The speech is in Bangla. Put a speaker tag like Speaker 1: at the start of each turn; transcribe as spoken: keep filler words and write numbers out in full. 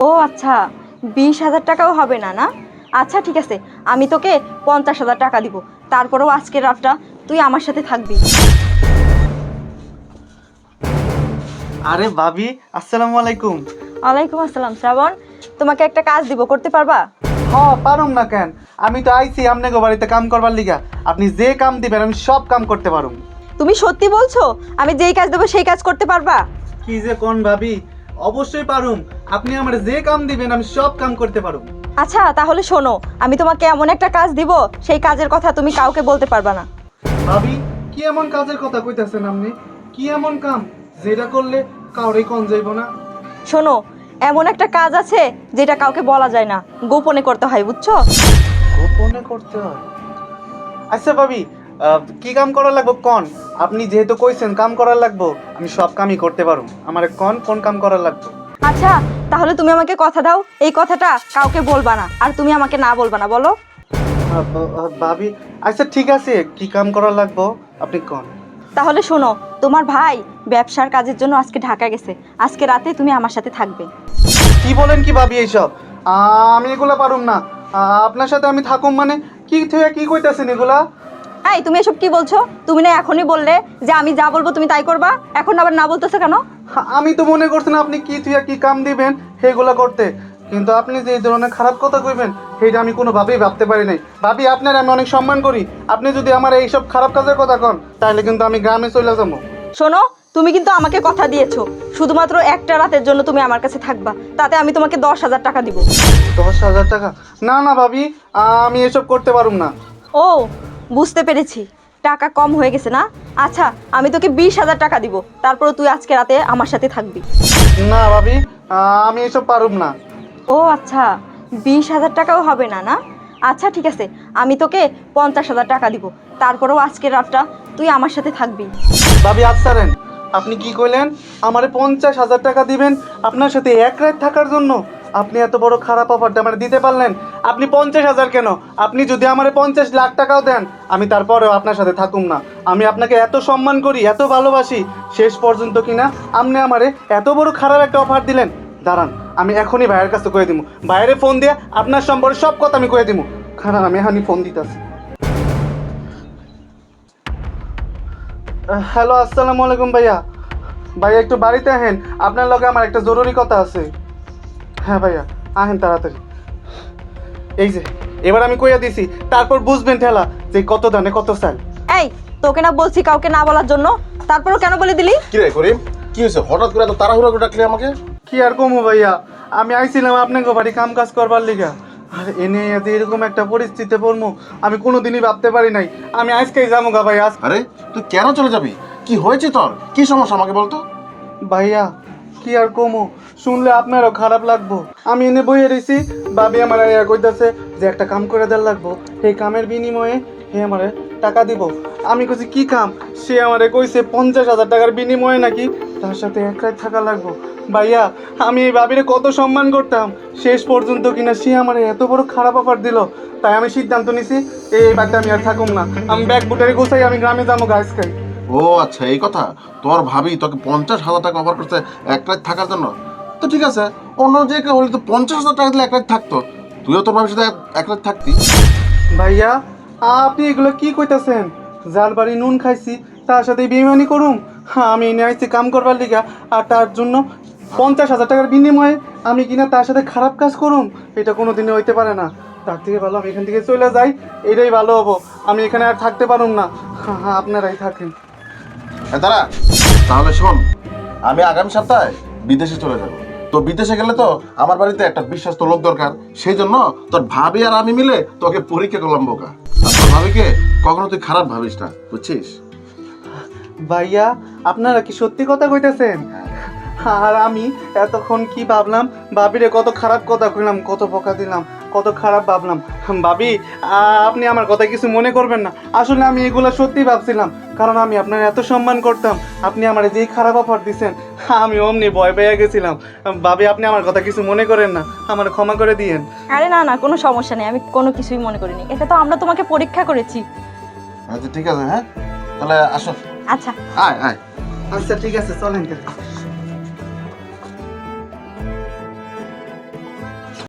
Speaker 1: আচ্ছা, বিশ হাজার টাকাও হবে না না? আচ্ছা ঠিক আছে, আমি তোকে পঞ্চাশ হাজার টাকা দিব, তারপরেও আজকের রাতটা তুই আমার সাথে থাকবি।
Speaker 2: আরে ভাবি, আসসালামু আলাইকুম।
Speaker 1: ওয়ালাইকুম আসসালাম। শ্রাবণ, তোমাকে একটা কাজ দিব, করতে পারবা?
Speaker 2: হ্যাঁ, পারুম না কেন? আমি তো আইছি আপনাকে বাড়িতে কাম করবার লিগা। আপনি যে কাম দিবেন আমি সব কাম করতে পারুম।
Speaker 1: তুমি সত্যি বলছো? আমি যেই কাজ দেবো সেই কাজ করতে পারবা?
Speaker 2: কি যে কোন ভাবি, অবশ্যই পারুম। আপনি আমার যে কাম দিবেন আমি সব কাম করতে পারুম।
Speaker 1: আচ্ছা তাহলে শোনো, আমি তোমাকে এমন একটা কাজ দিব, সেই কাজের কথা তুমি কাউকে বলতে পারবা না।
Speaker 2: ভাবি, কি এমন কাজের কথা কইতাছেন আপনি? কি এমন কাম যেটা করলে কাউরে কোন যাইব না?
Speaker 1: শোনো, এমন একটা কাজ আছে যেটা কাউকে বলা যায় না, গোপনে করতে হয়, বুঝছো?
Speaker 2: গোপনে করতে হয়? আচ্ছা ভাবি, আহ, কি কাম করা লাগবো কোন? আপনি যেহেতু কইছেন কাম করার লাগবো, আমি সব কামই করতে পারুম। আমার কোন কোন কাম করার লাগবো?
Speaker 1: আচ্ছা তাহলে তুমি আমাকে কথা দাও, এই কথাটা কাউকে বলবা না, আর তুমি আমাকে না বলবা না, বলো।
Speaker 2: আহ, ব- আহ, ভাবি, আচ্ছা ঠিক আছে, কি কাম করা লাগবো আপনি কোন।
Speaker 1: তাহলে শোনো, তোমার ভাই ব্যবসার কাজের জন্য আজকে ঢাকা গেছে, আজকে রাতে তুমি আমার সাথে থাকবে।
Speaker 2: কি বলেন কি ভাবি এইসব? আহ, আমি এগুলা পারুম না। আহ, আপনার সাথে আমি থাকুম মানে কি থেকে কি কইতাছেন এগুলা?
Speaker 1: এই তুমি এসব কি বলছো? তুমি না এখনই বললে যে আমি যা বলবো তুমি তাই করবা, এখন আবার না বলতেছো কেন?
Speaker 2: হা, আমি তো মনে করছেন আপনি কি থেকে কি কাম দিবেন সেগুলা করতে, কিন্তু আপনি যে এই ধরনের খারাপ কথা কইবেন সেইটা আমি কোনোভাবেই ভাবতে পারি নাই। ভাবি, আপনার আমি অনেক সম্মান করি, আপনি যদি আমার এইসব খারাপ কাজের কথা কন তাহলে কিন্তু আমি গ্রামে চলে যাবো।
Speaker 1: শোনো, তুমি কিন্তু আমাকে কথা দিয়েছো শুধুমাত্র একটা রাতের জন্য তুমি আমার কাছে থাকবা, তাতে আমি তোমাকে দশ হাজার টাকা দিব।
Speaker 2: দশ হাজার টাকা? না না ভাবি, আমি এসব করতে পারুম না।
Speaker 1: ও, বুঝতে পেরেছি, টাকা কম হয়ে গেছে না? আচ্ছা, আমি তোকে বিশ হাজার টাকা দিব, তারপরে তুই আজকে রাতে আমার সাথে থাকবি।
Speaker 2: না ভাবি, আমি এসব পারুম না।
Speaker 1: ও আচ্ছা, বিশ হাজার টাকাও হবে না না? আচ্ছা ঠিক আছে, আমি তোকে পঞ্চাশ হাজার টাকা দিব, তারপরেও আজকের রাতটা তুই আমার সাথে থাকবি।
Speaker 2: ভাবি আচ্ছারেন, আপনি কি কইলেন? আমারে পঞ্চাশ হাজার টাকা দিবেন আপনার সাথে এক রাত থাকার জন্য? আপনি এত বড় খারাপ অফারটা আমার দিতে পারলেন? আপনি পঞ্চাশ হাজার কেন, আপনি যদি আমারে পঞ্চাশ লাখ টাকাও দেন আমি তারপরেও আপনার সাথে থাকুম না। আমি আপনাকে এত সম্মান করি, এত ভালোবাসি, শেষ পর্যন্ত কিনা আপনি আমারে এত বড় খারাপ একটা অফার দিলেন। দাঁড়ান, আমি এখনই ভাইয়ের কাছে কয়ে দিব, ভাইয়েরে ফোন দিয়ে আপনার সম্পর্কে সব কথা আমি কয়ে দিব। খারাপ, আমি এখনই ফোন দিতেছি। হ্যালো, আসসালামু আলাইকুম ভাইয়া। ভাইয়া একটু বাড়িতে আহেন, আপনার লগে আমার একটা জরুরি কথা আছে। হ্যাঁ ভাইয়া, আহেন তাড়াতাড়ি। এই যে, এবার আমি কইয়া দিছি, তারপর বুঝবেন ঠেলা যে কত দানে কত চাল।
Speaker 1: এই, তোকে না বলছি কাউকে না বলার জন্য, তারপরও কেন বলে দিলি?
Speaker 3: কি রে করিম, কি হয়েছে? হঠাৎ করে এত তাড়াহুড়া করে ডাকলি আমাকে?
Speaker 2: কি আর কমু ভাইয়া, আমি আইছিলাম আপনাকে বাড়ি কাম কাজ করবার লিগা, আর এনে যে এরকম একটা পরিস্থিতিতে পড়বো আমি কোনোদিনই ভাবতে পারি নাই। আমি আজকেই যাবো গা ভাই আজ।
Speaker 3: আরে তুই কেন চলে যাবি? কি হয়েছে তোর? কি সমস্যা আমাকে বলতো।
Speaker 2: ভাইয়া কি আর কমো, শুনলে আপনারও খারাপ লাগবো। আমি এনে বইয়ে রয়েছি, ভাবি আমার আয়া কইতাছে যে একটা কাম করে দেওয়ার লাগবো, সেই কামের বিনিময়ে হে আমারে টাকা দিব। আমি কইছি কি কাম? সে আমারে কইছে পঞ্চাশ হাজার টাকার বিনিময়ে নাকি তার সাথে এক রাত থাকা লাগবো। ভাইয়া, আমি এই ভাবিরে কত সম্মান করতাম, শেষ পর্যন্ত কিনা সে আমারে এত বড় খারাপ অফার দিল। তাই আমি সিদ্ধান্ত নিছি এই বাড়িতে আমি আর থাকুম না, আমি ব্যাগ বুটারি গোছাই আমি গ্রামে যাবো গাছ খাই।
Speaker 3: ও আচ্ছা, এই কথা। তোর ভাবি তোকে পঞ্চাশ হাজার টাকা অফার করছে এক রাত থাকার জন্য? তো ঠিক আছে, অন্য যে কেউ হলে তো পঞ্চাশ হাজার টাকা দিলে এক রাত থাকতো, তুইও তোর ভাবির সাথে এক- এক রাত থাকতি।
Speaker 2: ভাইয়া, আপনি এগুলো কি কইতাছেন? যার বাড়ি নুন খাইছি তার সাথে বেইমানি করুম? হ্যাঁ, আমি এনে আইছি কাম করবার লিগা, আর তার জন্য পঞ্চাশ হাজার টাকার বিনিময়ে আমি কিনা তার সাথে খারাপ কাজ করুম? এটা কোনো দিনে হইতে পারে না। তার থেকে ভালো আমি এখান থেকে চলে যাই, এটাই ভালো হবো। আমি এখানে আর থাকতে পারুম না। হ্যাঁ হ্যাঁ, আপনারাই থাকেন।
Speaker 3: হ্যাঁ দাঁড়া, তাহলে শোন, আমি আগামী সপ্তাহে বিদেশে চলে যাব। তো বিদেশে গেলে তো আমার বাড়িতে একটা বিশ্বস্ত লোক দরকার, সেই জন্য তোর ভাবি আর আমি মিলে তোকে পরীক্ষা করলাম বোকা। আর তোর ভাবিকে কখনো তুই খারাপ ভাবিস না, বুঝছিস?
Speaker 2: ভাইয়া, আপনারা কি সত্যি কথা কইতেছেন? আর আমি এতক্ষণ কি ভাবলাম, ভাবিরে কত খারাপ কথা কইলাম, কত বকা দিলাম, কত খারাপ ভাবলাম। ভাবি, আ- আপনি আমার কথা কিছু মনে করবেন না, আসলে আমি এগুলো সত্যি ভাবছিলাম, কারণ আমি আপনার এত সম্মান করতাম। আপনি আমার যেই খারাপ অফার দিছেন আমি অমনি ভয় পেয়ে গেছিলাম। ভাবি, আপনি আমার কথা কিছু মনে করেন না, আমার ক্ষমা করে দিয়েন।
Speaker 1: আরে না না, কোনো সমস্যা নেই, আমি কোনো কিছুই মনে করিনি, এটা তো আমরা তোমাকে পরীক্ষা করেছি।
Speaker 3: আচ্ছা ঠিক আছে, হ্যাঁ তাহলে আসো।
Speaker 1: আচ্ছা।
Speaker 3: আয় আয়।
Speaker 2: আচ্ছা ঠিক আছে, চলেন।